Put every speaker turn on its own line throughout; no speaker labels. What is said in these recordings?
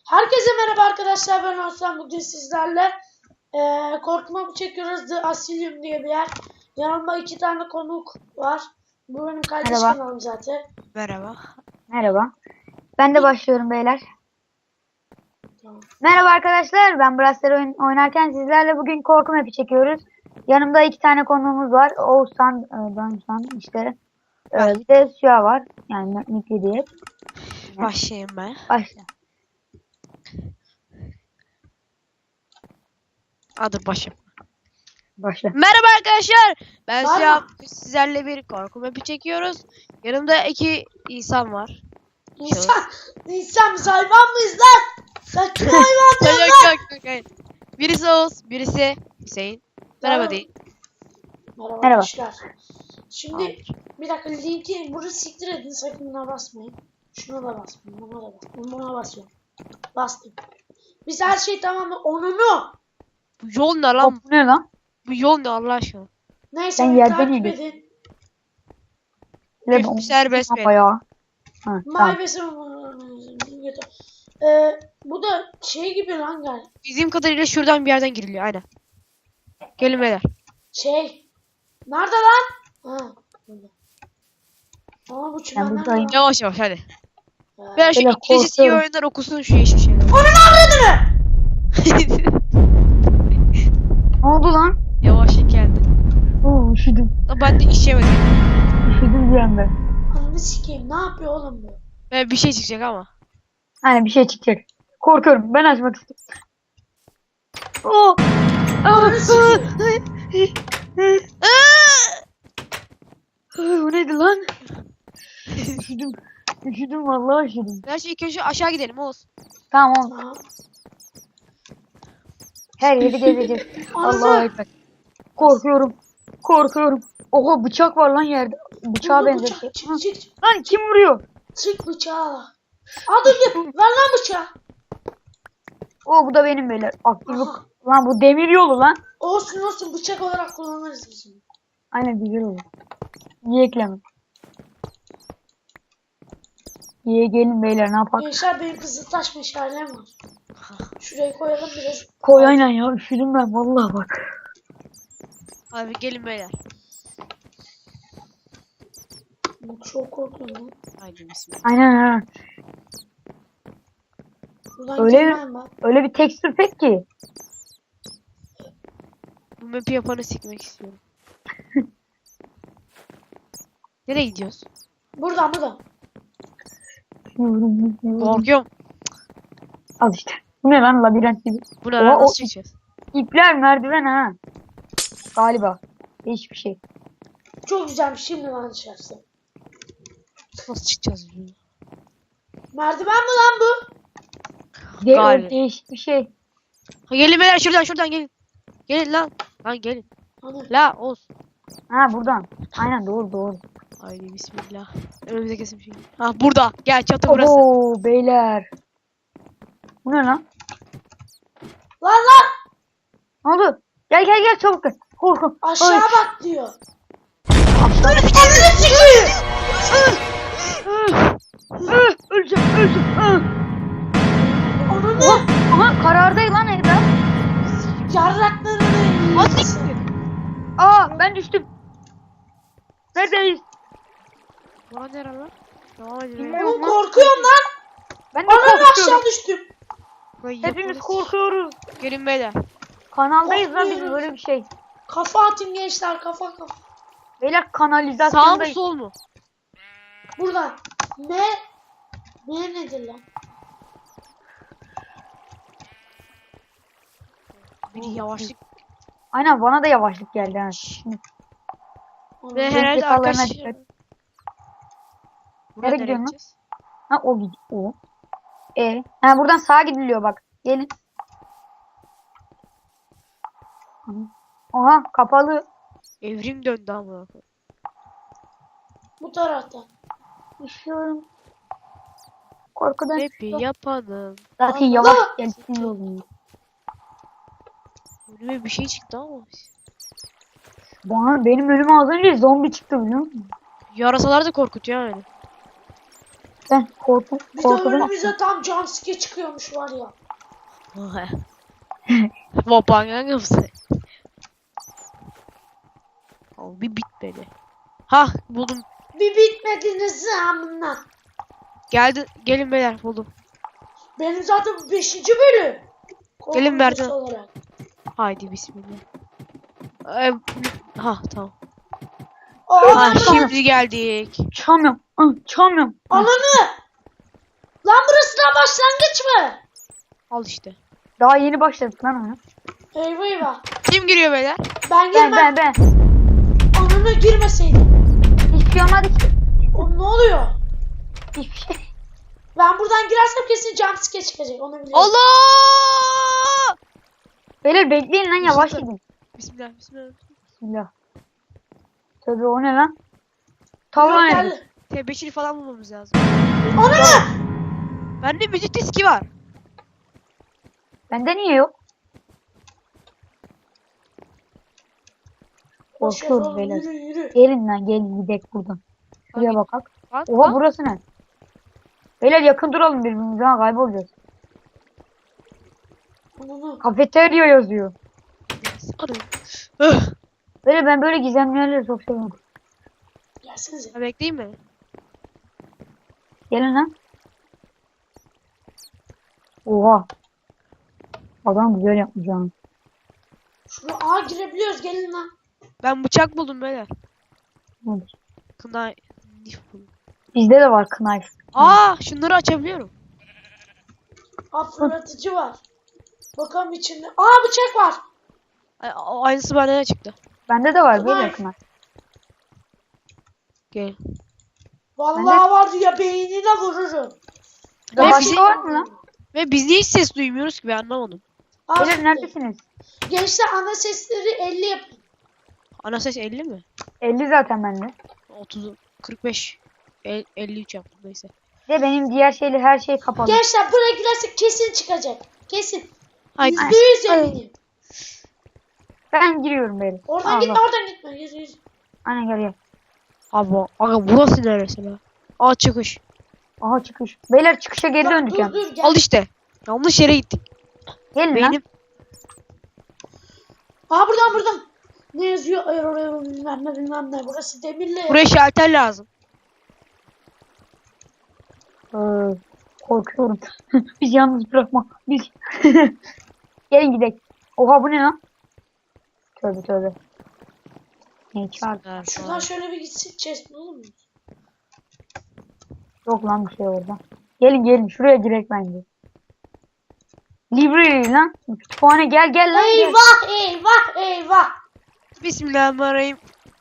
Herkese merhaba arkadaşlar, ben Osman. Bugün sizlerle korkma çekiyoruz. The Asylum diye bir yer. Yanımda 2 tane konuk var. Bu benim kardeş
Merhaba.
kanalım zaten.
Merhaba.
Merhaba. Ben de başlıyorum beyler.
Tamam.
Merhaba arkadaşlar. Ben Braster oynarken sizlerle bugün korku map'i çekiyoruz. Yanımda 2 tane konuğumuz var. Oğuzhan, Danışan işte. Bir de Süha var. Yani Mikli diye.
Başlayayım ben.
Başla.
Adı başım.
Başla.
Merhaba arkadaşlar. Ben
Var
Siyah.
mı?
Sizlerle bir korku map'i çekiyoruz. Yanımda 2 insan var.
İnsan biz hayvan mıyız lan? Sen kim hayvan diyorsun lan?
Yok. Birisi Oğuz, birisi Hüseyin. Merhaba deyin.
Merhaba
Merhaba.
arkadaşlar. Şimdi bir dakika, linki bunu siktir edin, sakın buna basmayın. Şuna da basmayın, buna da basmayın. Buna basıyorum. Bastım. Biz her şey tamam mı? Onunu.
Bu yol ne lan?
Bu ne lan?
Bu yol ne Allah aşkına?
Neyse,
Sen
beni
yerden
takip
yedin.
edin.
Üf, serbest benim.
Bayağı. Ha, tamam.
Bu da şey gibi lan gel.
Bizim kadarıyla şuradan bir yerden giriliyor aynen. Gelin beyler.
Şey. Nerede lan? Ha. Burada. Ama bu
Ben
çimenler
buradayım.
var.
Yavaş hadi.
Ha.
Ben şu
Böyle
İngilizcesi iyi
korkuyorum.
oyunlar okusun şu yeşil şeyleri.
Ne oldu lan?
Yavaş geldi.
Oo, üşüdüm.
Ben de işemedim.
Üşüdüm bir anda.
Ananı sikeyim. Ne yapıyor oğlum bu?
Ben bir şey çıkacak ama.
Hani bir şey çıkacak. Korkuyorum. Ben açmak istiyorum. Oo.
Ananı sikeyim.
Bu neydi lan? Üşüdüm. Üşüdüm vallahi üşüdüm.
Ben şimdi ilk önce aşağı gidelim Oğuz.
Tamam oğlum.
Tamam.
Her yeri gezeceğiz. Allah'a ekber. Korkuyorum. Korkuyorum. Oha bıçak var lan yerde. Bıçağa
Burada
benzer.
bıçak.
Ha,
Çık.
lan kim vuruyor?
Çık bıçağı. Al dur. Ver lan bıçağı.
O bu da benim beyler. Akıllı.
Aha.
Lan bu demir yolu lan.
Olsun bıçak olarak kullanırız biz bunu.
Aynen güzel olur. Niye ekleme? Niye gelin beyler ne yapalım?
Gençler, benim Kızıltaş meşalem var. Şuraya koyalım biraz.
Koy aynen ya üşüdüm ben vallahi bak.
Abi gelin beyler.
Çok korkuyorum lan.
Haydi bismillah.
Aynen ha.
Buradan
Öyle
girmem ben.
Öyle bir tekstür pek ki.
Bu map'i yapanı sikmek istiyorum. Nereye gidiyoruz?
Buradan.
Korkuyorum.
Al işte. Bu ne lan labirent gibi.
Bu ne
Oha,
lan
o
nasıl çıkacağız?
İpler merdiven ha. Galiba. Hiçbir şey.
Çok güzelmiş, şimdi lan dışarısı.
Nasıl çıkacağız?
Merdiven mi lan bu?
Galiba.
Değişik bir şey.
Ha, gelin beyler şuradan gelin. Gelin lan. Lan gelin.
Hani
La Oğuz.
Ha buradan. Aynen doğru.
Haydi bismillah. Önümüze kesin bir şey. Ha burada. Gel çatı burası.
Oo beyler. Bu ne lan?
lan
Ne oldu? Gel çabuk gel. Korkun.
aşağı bak diyor.
Öleceğim.
Onu
Aha karardı lan Eda.
yarraklarını
Hadi.
yiyeceksin.
Aa ben düştüm. Neredeyiz?
Lan nere lan? Devam edelim.
Oğlum korkuyorum lan.
Ben de
Ananı
korkuyorum.
aşağı düştüm.
Hepimiz korkuyoruz.
Gelin beyler.
Kanaldayız lan biz
Korkuyoruz.
böyle bir şey.
Kafa atın gençler, kafa.
Beyler
Sağ mı
kanalizasyondayız.
sol mu?
Buradan. Ne nedir lan?
Bir yavaşlık.
Aynen bana da yavaşlık geldi ha.
Ve
Benim
herhalde
zekalarına
arkadaş.
dikkat.
Buraya
Nereye
nereye
gidiyorsun lan?
gideceğiz?
Ha o gidiyor. O. Ha buradan sağa gidiliyor bak. Gelin. Aha kapalı.
Evrim döndü ama.
Bu taraftan.
Üşüyorum. Korkudan
Map'i
üşüyorum.
yapalım.
Zaten
Allah!
yavaş gelsin yolunu.
Önüme bir şey çıktı ama.
Benim önüme az önce zombi çıktı biliyor musun?
Yarasalar da korkutuyor yani.
Ben
Bir de
korkudan.
önümüze tam jumpscare çıkıyormuş var ya.
Vapangan mısın? Bir bitmedi. Ha buldum.
Bir bitmediniz amına.
Gelin beyler buldum.
Benim zaten bu 5. bölüm.
Gelin
Korkunç
Merdan.
olarak.
Haydi bismillah. Ee, ha tamam.
Aa,
Ha
lan
şimdi geldik.
Çalmıyorum. Çalmıyorum.
ananı. Lan burası da başlangıç mı?
Al işte.
Daha yeni başladık lan ona.
Eyvah eyvah.
Kim giriyor beyler?
Ben
Ben
girmem.
ben.
Ananı girmeseydim.
Hiçbir şey olmadı ki.
O ne oluyor?
Hiçbir şey.
Ben buradan girersem kesin jumpscare çıkacak. Onu biliyorum.
Allah!
Beyler bekleyin lan yavaş gidin.
Bismillah bismillah.
Bismillah. Tabii o ne lan? Tavla ne?
Geldi.
Tebeşir falan bulmamız lazım.
Ananı.
Bende müzik diski var.
Bende niye yok?
Boş
Korkuyoruz
yapalım,
beyler.
yürü yürü.
Gelin lan gelin gidelim buradan. Şuraya
Hangi-
bakak.
Bak,
Oha
bak.
burası ne? Beyler yakın duralım birbirimize ha kaybolacağız.
Ananı.
Kafeterya yazıyor.
Arayın. Öh!
Böyle ben böyle gizemli yerleri çok seviyorum.
Gelsenize.
Ha, bekleyeyim mi?
Gelin lan. Oha. Adam güzel yapmış ha.
Şuraya girebiliyoruz. Gelin lan.
Ben bıçak buldum beyler.
Nedir?
Kına nif buldum.
Bizde de var knife.
Aa şunları açabiliyorum.
Fırlatıcı var. Bakalım içinde. Aa bıçak var.
Aynısı bende de çıktı.
Bende de var böyle
Knife.
knife.
Gel.
Vallahi vardı ya beynine vururum.
Burada
Ve
başka
bizi-
var mı lan?
Ve biz niye hiç ses duymuyoruz ki ben anlamadım.
Aa,
Beyler neredesiniz?
gençler ana sesleri 50 yapın.
Ana ses 50 mi?
50 zaten bende.
30, 45, 53 yaptım neyse.
Bir de benim diğer şeyle her şey kapalı.
Gençler buraya girersek kesin çıkacak. Kesin.
Haydi.
%100 eminim.
Ben giriyorum böyle.
Oradan gitme oradan gitme. Yürü yürü.
Aynen gel gel.
Aga burası neresi la? Aa çıkış.
Aha çıkış. Beyler çıkışa geri
Bak,
döndük ya.
dur gel.
Al işte. Yanlış yere gittik.
Gelin lan.
Benim
Aa buradan. Ne yazıyor? Bilmem ne. Burası demirli.
buraya şalter lazım.
Korkuyorum. Biz yalnız bırakma. Biz. Gelin gidelim. Oha bu ne lan? Tövbe tövbe. Ne çağırdı?
Şuradan şöyle bir gitsin. Chest bulur muyuz?
Yok lan bir şey orada. Gelin şuraya girek bence. Library lan. Kütüphane gel lan. Gel.
Eyvah.
Bismillahirrahmanirrahim.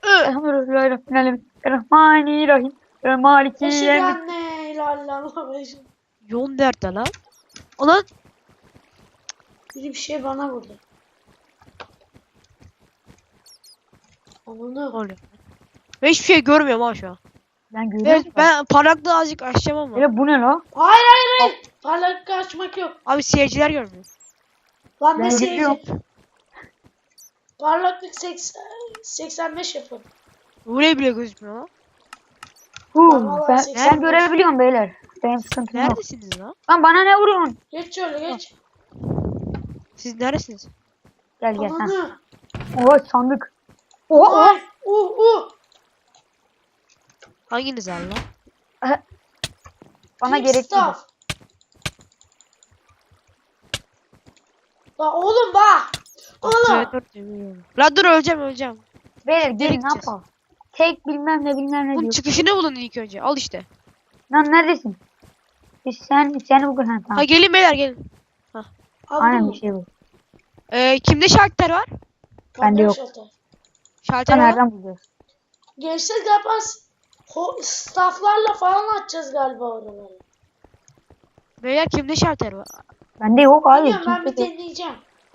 Rahmanirrahim. Maliki
Eşhedü
yevmi.
enne ilallah.
Yol nerede lan? Ulan
Biri bir şey bana vurdu. Ananı.
oluyor. Ben hiçbir şey görmüyorum ha şu an.
Ben görüyorum.
Evet, ben parlaklığı azıcık açacağım ama.
Hele bu ne la?
Hayır. Parlak açmak yok.
Abi seyirciler görmüyor.
Lan
Ben
ne
görüyorum.
seyirci? Parlaklık 85 yapın.
Buraya bile gözükmüyor lan.
Vallahi
Ben
85.
görebiliyorum beyler. Benim sıkıntım yok.
Neredesiniz lan?
Lan bana ne vuruyorsun?
Geç şöyle geç.
Siz neredesiniz?
Gel gel. Ha.
Ananı.
Oha sandık. Oha.
Ay.
Hanginiz al lan?
Bana
Keep
gerek değil.
stuff. La oğlum bak. Oğlum.
Lan dur öleceğim.
Beyler gelin ne
gideceğiz?
yapalım? Tek bilmem ne
Bunun
diyor.
çıkışını bulun ilk önce. Al işte.
Lan neredesin? Sen bugün ha
Ha
tamam.
gelin beyler gelin.
Aynen
Aldım.
bir şey bu.
Kimde şalter var?
Bende yok.
Şalter
Sen
var.
nereden buluyorsun?
Gençler galiba stafflarla falan açacağız galiba oraları.
Beyler kimde şalter var?
Bende yok abi.
Bilmiyorum ben bir
Kimse de-
deneyeceğim.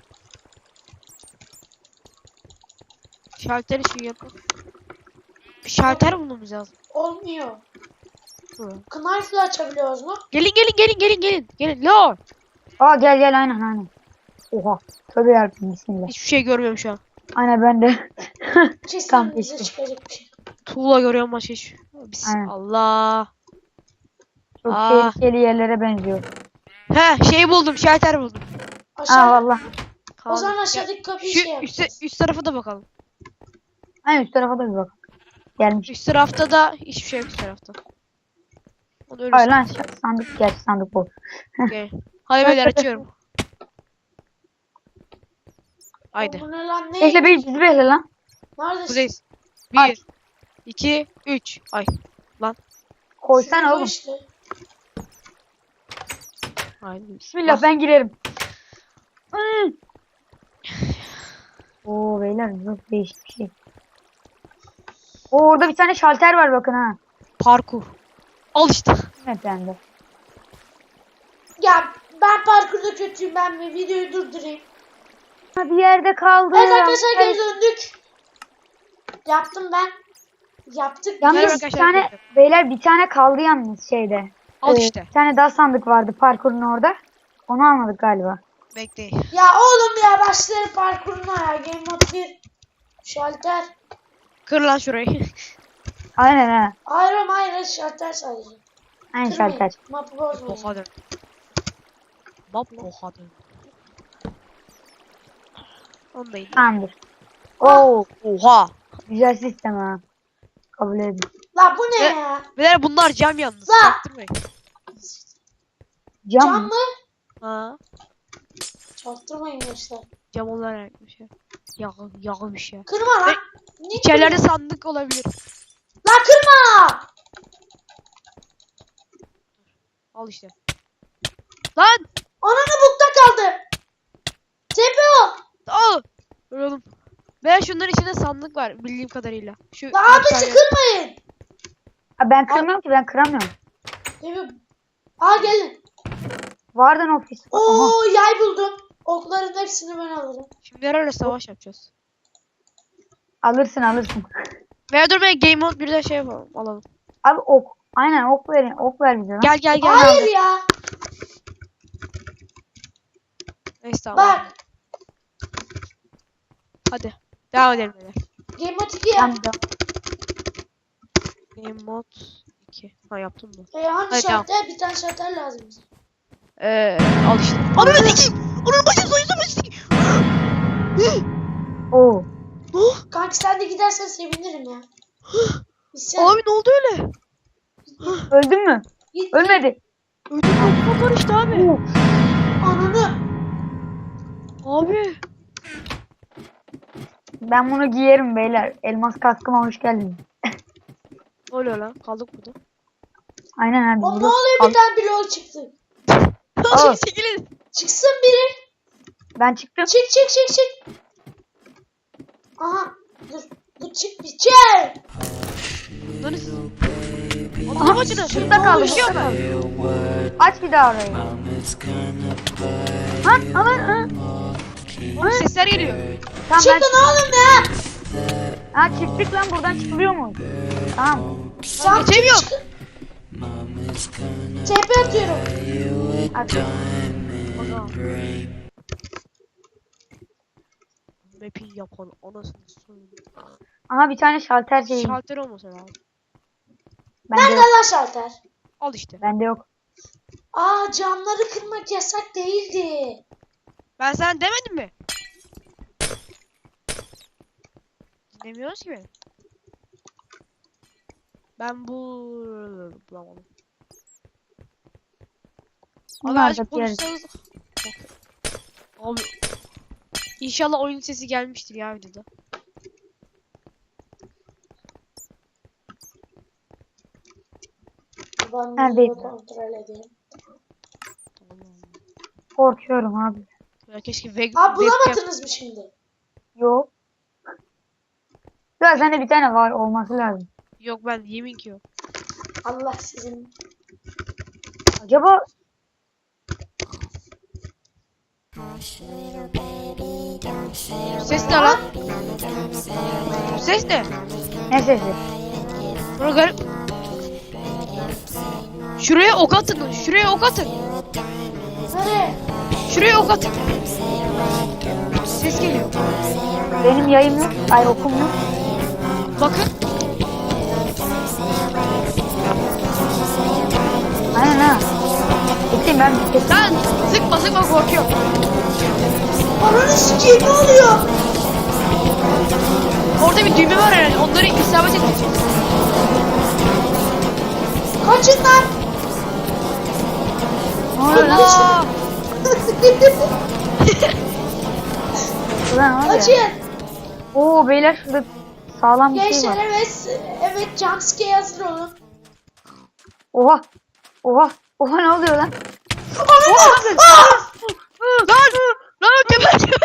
Şalter için yapın. Bir şalter bulmamız lazım.
Olmuyor.
Hı.
Knife'la açabiliyoruz mu?
Gelin. Lo.
Aa gel aynen. Oha. Tövbe yarabbim bismillah.
Hiçbir şey görmüyorum şu an.
Aynen ben de.
Kesin
Tam
bize
geçti.
çıkacak bir şey.
Tuğla görüyorum başka hiç.
Aynen.
Allah.
Çok
Aa.
tehlikeli yerlere benziyor.
He şey buldum. Şalter buldum.
Aşağı.
Valla.
O zaman
Ya,
aşağıdaki kapıyı
Şu
şey yapacağız.
üst tarafa da bakalım.
Aynen üst tarafa da bir bak. Gelmiş.
Üst tarafta da hiçbir şey yok üst tarafta. Onu öyle
Hayır lan sandık gerçi sandık bu.
okay. Hadi beyler açıyorum. Haydi.
Bu ne lan ne?
Bekle bizi bekle lan.
Neredesin?
Buradayız.
Ay.
1 2 3 Ay.
Koysana
Şurada
oğlum.
işte.
Haydi.
Bismillah ben girerim. Oo beyler çok değişik bir şey. Oo, orada bir tane şalter var bakın ha.
Parkur. Al işte.
Evet bende.
Ya ben parkurda kötüyüm, ben bir videoyu durdurayım.
Ha, bir yerde kaldı.
Evet arkadaşlar geri döndük. Yaptım ben. Yaptık.
Yalnız
Merhaba
bir
arkadaşlar,
tane beyler bir tane kaldı yalnız şeyde.
Al işte.
Bir tane daha sandık vardı parkurun orada. Onu almadık galiba.
Bekleyin.
Ya oğlum ya başları parkuruna ya. Game Mode 1. Şalter.
Kır lan şurayı.
Aynen ha.
Hayır oğlum, hayır şalter sadece.
Aynen
Kırmayın.
şalter.
Mapı bozmayın.
Oha dön. Bab oha dön. Onu da indir.
Tamamdır. Oo
Oha.
güzel sistem ha. Kabul edin.
La bu ne
Ne?
ya?
Beyler bunlar cam yalnız.
Lan!
Çaktırmayın.
Cam,
Cam
mı?
mı?
Ha.
Çaktırmayın gençler.
Cam olarak bir şey. Yağmış ya.
Kırma lan.
Ve
Ne
İçerilerde
kırıyorsun?
sandık olabilir.
La kırma.
Al işte. Lan!
Ananı bukta kaldı. Tepe o.
Al! Vuralım. Veya şunların içinde sandık var bildiğim kadarıyla. Şu
La
bir
abisi
tane-
kırmayın.
Ha, ben kırmıyorum ki ben kıramıyorum.
Tepe. Aa gelin.
Vardan ofis. Aha.
Oo yay buldum. Okların hepsini ben alırım.
Şimdi herhalde savaş yapacağız.
Alırsın alırsın.
Veya dur ben Game Mode bir de şey yapalım. Alalım.
Abi ok. Aynen ok verin. Ok ver bize lan.
Gel gel gel.
Hayır ya.
Neyse tamam.
Bak.
Hadi. Devam edelim beyler.
Game Mode 2 ya.
Tamam,
Game Mode 2. Ha yaptım mı?
Hani
Hadi,
şalter? Bir tane şalter lazım bize.
Al işte. Ananı sikeyim. Ananı başım soyunsa başım sikeyim.
Oo.
Kanki sen de gidersen sevinirim ya. Sen
Abi ne oldu öyle?
Öldün mü?
git.
Ölmedi.
Ödüm var işte abi.
Oo.
Ananı.
Abi.
Ben bunu giyerim beyler. Elmas kaskıma hoş geldin.
Ne oluyor lan? Kaldık burada.
Aynen abi.
O ne
burada
oluyor,
kal-
bir tane blok çıktı.
Aa.
Çekilin.
Çıksın biri.
Ben çıktım.
Çık çık çık çık. Aha. Dur. Dur çık bir çık.
Lan siz.
Aha,
Adam acıdı.
şurada kaldı.
Düşüyor
Şurada
mu?
kaldı. Aç bir daha orayı. Ha, alın.
Oğlum sesler geliyor.
Tamam ben
Çıkın oğlum ya.
Ha çıktık lan buradan çıkılıyor mu? Tamam.
Tamam,
geçemiyorum.
çıkın. TP atıyorum.
Hadi.
Map'i yapan anasını soyun.
Aha bir tane şalter şeyi.
Şalter olmasa lazım.
Bende
Nerede
yok.
lan şalter?
Al işte.
Bende yok.
Aa camları kırmak yasak değildi.
Ben sana demedim mi? Dinlemiyoruz ki beni. Ben bu bulamadım. Abi
Bunlar
azıcık
da diğer-
konuşsanız. Abi. İnşallah oyun sesi gelmiştir ya videoda.
Ben
Neredeydi?
bunu kontrol edeyim.
Korkuyorum abi.
Ya keşke
Aa
webcam.
bulamadınız mı şimdi?
Yok. Ya sende bir tane var olması lazım.
Yok ben yemin ki yok.
Allah sizin.
Acaba
Ses ne lan? Ses ne?
ne sesi?
Bana garip. Şuraya ok atın. Şuraya ok atın.
Nereye?
Şuraya ok atın. Ses geliyor.
Benim yayım yok. Ay okum yok.
Bakın.
Aynen ha. Kesin ben kesin.
Lan sıkma korkuyorum.
Ananı sikeyim, ne oluyor?
Orada bir düğme var herhalde. Onları isabet edecek.
Kaçın lan.
Ne oluyor lan?
Allah!
Ulan var ya.
Kaçın.
Oo beyler şurada sağlam bir şey
Gençler,
var.
evet jumpscare hazır olun.
Oha. Oha. Oha ne oluyor lan?
Ananı! Ah!
Lan geber.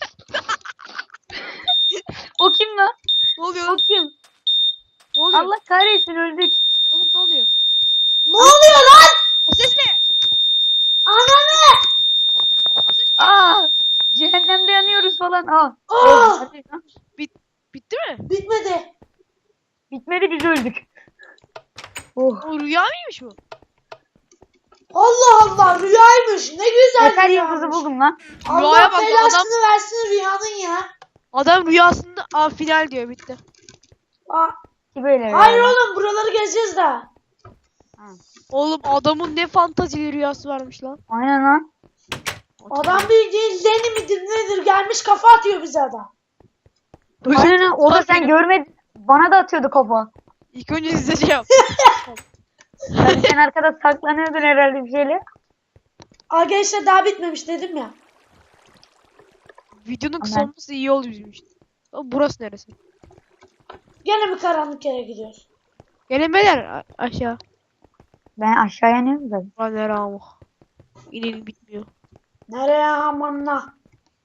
O kim lan?
Ne oluyor?
O kim?
Ne oluyor?
Allah kahretsin öldük.
Oğlum ne oluyor?
Ne oluyor lan?
O ses ne?
Ananı!
Aa! Cehennemde yanıyoruz falan. Aa.
Ah!
Hadi lan.
Bitti mi?
Bitmedi.
Bitmedi biz öldük. Oh.
O rüya mıymış bu?
Allah Allah, rüyaymış. Ne güzel
Yeter
rüyaymış.
yıldızı buldum lan.
Allah
Rüyaya bak,
belasını versin rüyanın ya.
Adam rüyasında final diyor bitti.
Aa,
Ki böyle.
hayır oğlum, buraları gezeceğiz daha.
Oğlum adamın ne fantazili rüyası varmış lan.
Aynen lan.
Adam bildiğin Lenny midir nedir gelmiş kafa atıyor bize adam.
Aynen lan. O da sen görmedin. Bana da atıyordu kafa.
İlk önce size şey yap.
Sen arkada saklanıyordun herhalde bir şeyle.
Aa gençler, daha bitmemiş dedim ya.
Videonun kısa
Aman.
olması iyi oldu bizim için. Ama burası neresi?
Gene bir karanlık yere gidiyoruz.
Gelin beyler aşağı.
Ben aşağıya iniyorum da.
Lan nere amuk. İnelim bitmiyor.
Nereye amanla?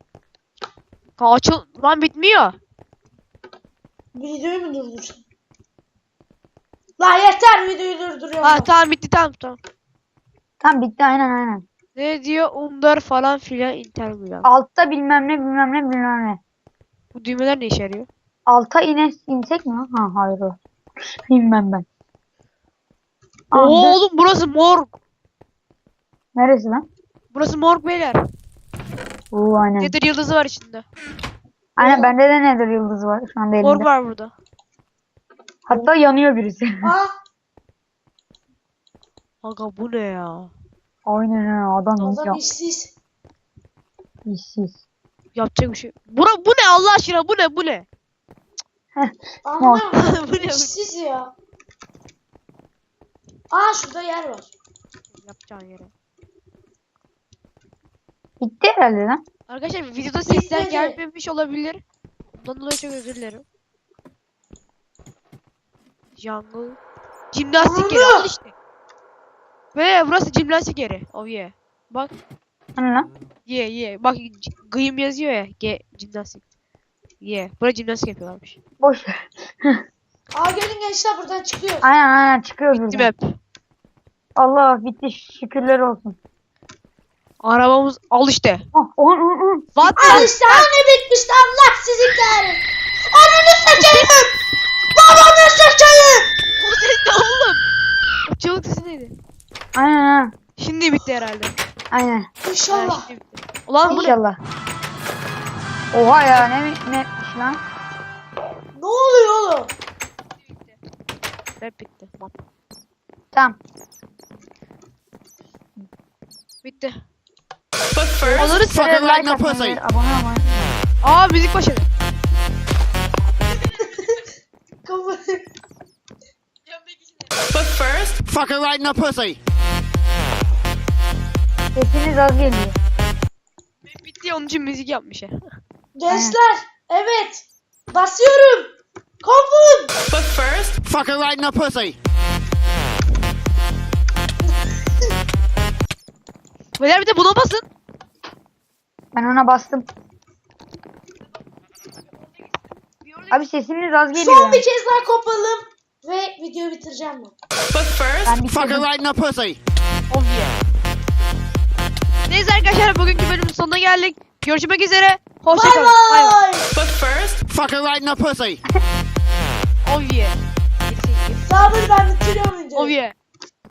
Açıl lan bitmiyor.
Videoyu mu durdursun? La yeter, videoyu durduruyorum.
Ha tamam bitti tamam.
Tam bitti aynen.
Ne diyor? Umdar falan filan interview.
Altta bilmem ne.
Bu düğmeler ne işe yarıyor?
Alta insek mi? Ha hayır o. Bilmem ben. Aa, dur.
Oğlum burası morg.
Neresi lan?
Burası morg beyler.
Oo aynen.
Nedir yıldızı var içinde.
Aynen bende de nedir yıldızı var şu anda elimde.
Morg var burada.
Hatta yanıyor birisi.
Aa,
Aga bu ne ya?
Aynen ha adam
adam
ya.
işsiz.
İşsiz.
Yapacak bir şey. Bu ne Allah aşkına bu ne?
Anlamıyorum.
Bu ne?
İşsiz ya. Aa, şurada yer var.
Yapacağın yere.
Bitti herhalde lan.
Arkadaşlar videoda sesler
Bitmedi.
gelmemiş olabilir. Bundan dolayı çok özür dilerim. Jungle. Jimnastik yeri al işte. Ve burası jimnastik yeri. Oh yeah. Bak.
Hani lan?
Yeah. Bak gıyım yazıyor ya. Jimnastik. Yeah. Burada jimnastik yapıyorlarmış.
Boş ver.
Aa, gelin gençler, buradan çıkıyoruz.
Aynen çıkıyoruz
Bitti
buradan.
map.
Allah bitti şükürler olsun.
Arabamız al işte.
Oh.
What
Al işte, hani bitmişti, Allah sizi kahretsin. Ananı satayım. Babanı satayım.
Bu ses ne oğlum? O çığlık sesi neydi?
Aynen.
Şimdi bitti herhalde.
Aynen.
İnşallah.
Şimdi bitti. Ulan bu ne?
İnşallah. Oha ya ne lan?
Ne oluyor oğlum?
Rap bitti. Map.
Tamam.
Bitti.
But first,
Onları
fuck
Şöyle
it right
like
now,
atmayı,
pussy.
abone olmayı.
Aa müzik başladı.
Kafa-
But first, fuck it right now, pussy.
Sesiniz az geliyor.
Bitti onun için müzik yapmış ya.
Gençler, evet. Basıyorum. Kovun.
But first, fuck it right now, pussy.
Beyler bir de buna basın.
Ben ona bastım. Abi sesiniz az geliyor.
Son bir kez daha kopalım. Ve videoyu bitireceğim ben.
But first,
Ben
fuck it
bitirdim.
right now, pussy.
Oh yeah. Neyse arkadaşlar bugünkü bölümün sonuna geldik. Görüşmek üzere.
Bye
Hoşçakalın. Bay bay.
bye.
But first, fuck it right now, pussy.
Oh yeah.
Sabır, ben bitiriyorum videoyu.
Oh yeah.